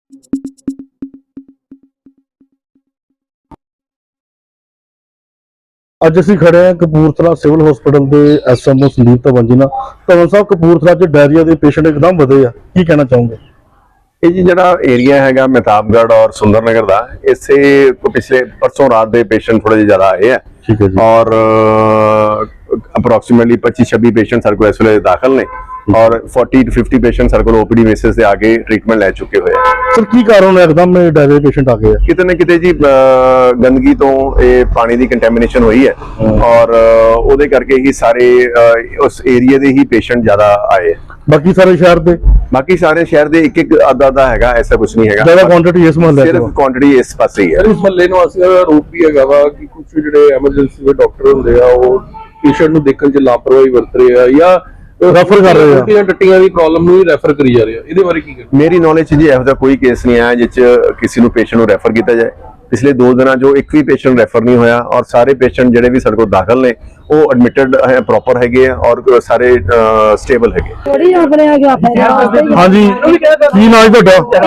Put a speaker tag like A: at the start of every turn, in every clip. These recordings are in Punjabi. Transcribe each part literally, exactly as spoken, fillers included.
A: ਅੱਜ ਅਸੀਂ ਖੜੇ ਹਾਂ ਕਪੂਰਥਲਾ ਸਿਵਲ ਹਸਪੀਟਲ ਦੇ ਐਸਐਮਓ ਸੰਦੀਪ ਧਵਨ ਜੀ ਨਾਲ। ਧਵਨ ਸਾਹਿਬ, ਕਪੂਰਥਲਾ 'ਚ ਡਾਇਰੀਆ ਦੇ ਪੇਸ਼ੈਂਟ ਇੱਕਦਮ ਵਧੇ ਆ, ਕੀ ਕਹਿਣਾ ਚਾਹੋਗੇ?
B: ਇਹ ਜੀ ਜਿਹੜਾ ਏਰੀਆ ਹੈਗਾ ਮਹਿਤਾਬਗੜ੍ਹ ਔਰ ਸੁੰਦਰ ਨਗਰ ਦਾ, ਇਸੇ ਪਿਛਲੇ ਪਰਸੋਂ ਰਾਤ ਦੇ ਪੇਸ਼ੈਂਟ ਥੋੜੇ ਜ਼ਿਆਦਾ ਆਏ ਆ।
A: ਠੀਕ ਹੈ ਜੀ।
B: ਔਰ ਅਪਰੋਕਸੀਮੇਟਲੀ पच्चीस छब्बीस पेशेंट सर को इस वे दाखिल ने और चालीस टू पचास पेशेंट सर को ओपीडी बेसिस से आगे ट्रीटमेंट ले चुके हुए हैं।
A: सर की कारण है एकदम डायरिया पेशेंट आ गए हैं?
B: कितने किते जी गंदगी तो ये पानी की कंटेमिनेशन हुई है और ਉਹਦੇ ਕਰਕੇ ਹੀ ਸਾਰੇ ਉਸ ਏਰੀਆ ਦੇ ਹੀ ਪੇਸ਼ੈਂਟ ਜ਼ਿਆਦਾ ਆਏ।
A: ਬਾਕੀ ਸਾਰੇ ਸ਼ਹਿਰ ਦੇ
B: ਬਾਕੀ ਸਾਰੇ ਸ਼ਹਿਰ ਦੇ ਇੱਕ ਇੱਕ ਅੱਧਾ ਅੱਧਾ ਹੈਗਾ, ਐਸਾ ਕੁਝ ਨਹੀਂ ਹੈਗਾ।
A: ਜ਼ਿਆਦਾ ਕੁਆਂਟੀਟੀ ਇਸ ਮਹੱਲੇ
B: ਸਿਰਫ ਕੁਆਂਟੀਟੀ ਇਸ ਪਾਸੇ ਹੀ ਹੈ।
C: ਇਸ ਮਹੱਲੇ ਨੂੰ ਅਸੀਂ ਰੂਪ ਵੀ ਹੈਗਾ ਵਾ ਕਿ ਕੁਝ ਜਿਹੜੇ ਐਮਰਜੈਂਸੀ ਦੇ ਡਾਕਟਰ ਹੁੰਦੇ ਆ ਉਹ ਪੇਸ਼ੈਂਟ ਨੂੰ ਦੇਖਣ 'ਚ ਲਾਪਰਵਾਹੀ ਵਰਤ ਰਹੇ ਆ ਜਾਂ
A: ਰੈਫਰ ਕਰ ਰਹੇ ਆ,
C: ਟੱਟੀਆਂ ਟੱਟੀਆਂ ਦੀ ਪ੍ਰੋਬਲਮ ਨੂੰ ਹੀ ਰੈਫਰ ਕਰੀ ਜਾ ਰਹੇ ਆ। ਇਹਦੇ ਬਾਰੇ ਕੀ ਕਹਿਣਾ?
B: ਮੇਰੀ ਨੌਲੇਜ 'ਚ ਜੀ ਇਹੋ ਜਿਹਾ ਕੋਈ ਕੇਸ ਨਹੀਂ ਆਇਆ ਜਿਸ 'ਚ ਕਿਸੇ ਨੂੰ ਪੇਸ਼ੈਂਟ ਨੂੰ ਰੈਫਰ ਕੀਤਾ ਜਾਏ। ਪਿਛਲੇ ਦੋ ਦਿਨਾਂ ਜੋ ਇੱਕ ਵੀ ਪੇਸ਼ੈਂਟ ਰੈਫਰ ਨਹੀਂ ਹੋਇਆ ਔਰ ਸਾਰੇ ਪੇਸ਼ੈਂਟ ਜਿਹੜੇ ਵੀ ਸਾਡੇ ਕੋਲ ਦਾਖਲ ਨੇ ਉਹ ਐਡਮਿਟਡ ਹੈ, ਪ੍ਰੋਪਰ ਹੈਗੇ ਆ ਔਰ ਸਾਰੇ ਸਟੇਬਲ ਹੈਗੇ।
A: ਹਾਂਜੀ, ਕੀ ਨਾਮ ਤੁਹਾਡਾ?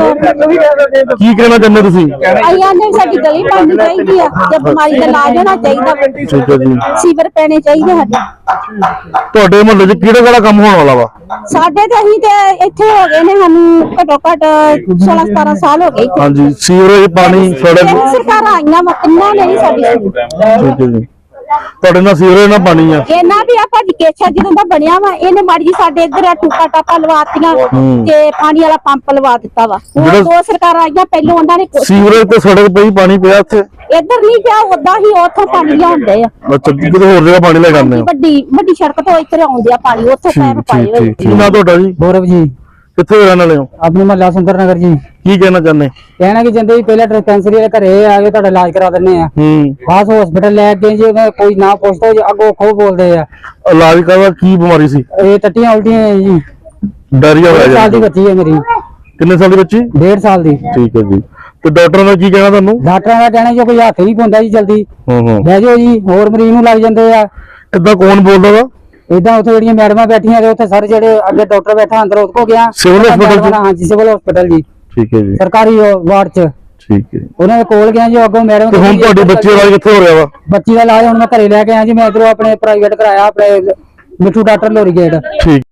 A: ਕੀ ਕਹਿਣਾ ਚਾਹੁੰਦੇ ਤੁਸੀਂ?
D: ਆਈਆਂ ਨੇ ਸਾਡੀ ਗਲੀ ਬਣਨੀ ਚਾਹੀਦੀ ਆ, ਜੇ ਬਿਮਾਰੀ ਦਾ ਇਲਾਜ ਹੋਣਾ ਚਾਹੀਦਾ।
A: ਠੀਕ ਹੈ ਜੀ।
D: ਸੀਵਰ ਪੈਣੇ ਚਾਹੀਦੇ ਸਾਡੇ।
A: ਤੁਹਾਡੇ ਮੁਹੱਲੇ 'ਚ ਕਿਹੜਾ ਕਿਹੜਾ ਕੰਮ ਹੋਣ ਵਾਲਾ ਵਾ?
D: ਸਾਡੇ ਤੇ ਅਸੀਂ ਤੇ ਇੱਥੇ ਹੋ ਗਏ ਨੇ, ਸਾਨੂੰ ਘੱਟੋ ਘੱਟ सोलह सतारह साल हो गए।
A: ਹਾਂਜੀ, ਸੀਵਰੇਜ, ਪਾਣੀ, ਸੜਕ
D: ਸਰਕਾਰ ਆਈਆਂ ਵਾ, ਕਿੰਨਾ ਨਹੀਂ ਸਾਡੀ।
A: ਠੀਕ ਹੈ ਜੀ। ਤੁਹਾਡੇ ਨਾਲ ਸੀਵਰੇਜ ਨਾਲ ਪਾਣੀ ਆ?
D: ਇਹਨਾਂ ਵੀ ਆ ਭਾਜੀ ਕੇਛਾ ਜਦੋਂ ਦਾ ਬਣਿਆ ਵਾ, ਇਹਨੇ ਮਾੜੀ ਜੀ ਸਾਡੇ ਇੱਧਰ ਆ ਟੂਕਾ ਟਾਪਾ ਲਵਾਤੀਆਂ ਤੇ ਪਾਣੀ ਵਾਲਾ ਪੰਪ ਲਵਾ ਦਿੱਤਾ ਵਾ। ਉਹ ਦੋ ਸਰਕਾਰਾਂ ਆਈਆਂ, ਪਹਿਲਾਂ ਉਹਨਾਂ ਨੇ
A: ਸੀਵਰੇਜ ਤੇ ਸੜਕ ਪਈ, ਪਾਣੀ ਪਿਆ ਇੱਥੇ?
D: ਇੱਧਰ ਨਹੀਂ ਪਿਆ, ਉਦਾਂ ਹੀ ਉੱਥੋਂ ਪਾਣੀ ਲਿਆਉਂਦੇ ਆ।
A: ਅੱਛਾ, ਕਿਤੇ ਹੋਰ ਜਗ੍ਹਾ ਪਾਣੀ ਲੈ ਜਾਂਦੇ ਆ?
D: ਵੱਡੀ ਵੱਡੀ ਸੜਕ ਤੋਂ ਇੱਧਰ ਆਉਂਦੇ ਆ ਪਾਣੀ, ਉੱਥੇ ਪੈਪ ਪਾਏ ਹੋਏ।
A: ਕੀ ਨਾਮ ਤੁਹਾਡਾ ਜੀ?
E: गौरव जी।
A: ਕਿੱਥੇ ਰਹਿਣ ਵਾਲੇ ਹੋ?
E: अपने महला सुंदर नगर जी।
A: ਕੀ ਕਹਿਣਾ ਚਾਹੁੰਦੇ?
E: कहना कि जिंदे पहले डिस्पेंसरी वाले घरे आके तुहाडा इलाज करा दिंदे आ,
A: ਹੂੰ,
E: खास हॉस्पिटल ले गए जी, कोई ना पुछदा जी, अगो खो बोलदे आ।
A: ਇਲਾਜ ਕਰਵਾ ਕੀ ਬਿਮਾਰੀ ਸੀ?
E: ये टट्टियां उल्टियां है जी।
A: ਡਾਇਰੀਆ ਹੋਇਆ
E: साल दी
A: ਜੀ?
E: बच्ची है मेरी,
A: ਕਿੰਨੇ ਸਾਲ ਦੀ ਬੱਚੀ?
E: डेढ़ साल दी।
A: ਠੀਕ ਹੈ ਜੀ। ਤੇ ਡਾਕਟਰਾਂ ਦਾ ਕੀ ਕਹਿਣਾ ਤੁਹਾਨੂੰ?
E: डॉक्टरां दा कहना जो कोई हत्थ नहीं पाउंदा जी जल्दी
A: ਹੂੰ हूं
E: लै जाओ जी, होर मरीज नूं लग जांदे आ।
A: ਇਦਾਂ ਕੌਣ ਬੋਲਦਾ ਵਾ?
E: इदां उत्थे जेहड़ियां मैडमां बैठियां ने, उत्थे सर जेहड़े अगे डॉक्टर बैठा अंदर उसको गया
A: सिविल हॉस्पिटल च?
E: हां जी, सिविल हॉस्पिटल जी,
A: ਠੀਕ ਹੈ ਜੀ।
E: सरकारी वार्ड च।
A: ਠੀਕ ਹੈ।
E: ਉਹਨਾਂ ਦੇ ਕੋਲ ਗਿਆ ਜੀ, ਅੱਗੋਂ ਮੈਡਮ।
A: ਤੇ ਹੁਣ ਤੁਹਾਡੇ ਬੱਚੇ ਦਾ ਕਿੱਥੇ ਹੋ ਰਿਹਾ ਵਾ?
E: ਬੱਚੀ ਦਾ ਇਲਾਜ ਹੁਣ ਮੈਂ ਘਰੇ ਲੈ ਕੇ ਆਇਆ ਜੀ, ਮੈਂ ਇਧਰੋਂ ਆਪਣੇ ਪ੍ਰਾਈਵੇਟ ਕਰਾਇਆ, ਆਪਣੇ ਮਿੱਠੂ ਡਾਕਟਰ ਲੋਰੀ ਗੇਟ।
A: ਠੀਕ।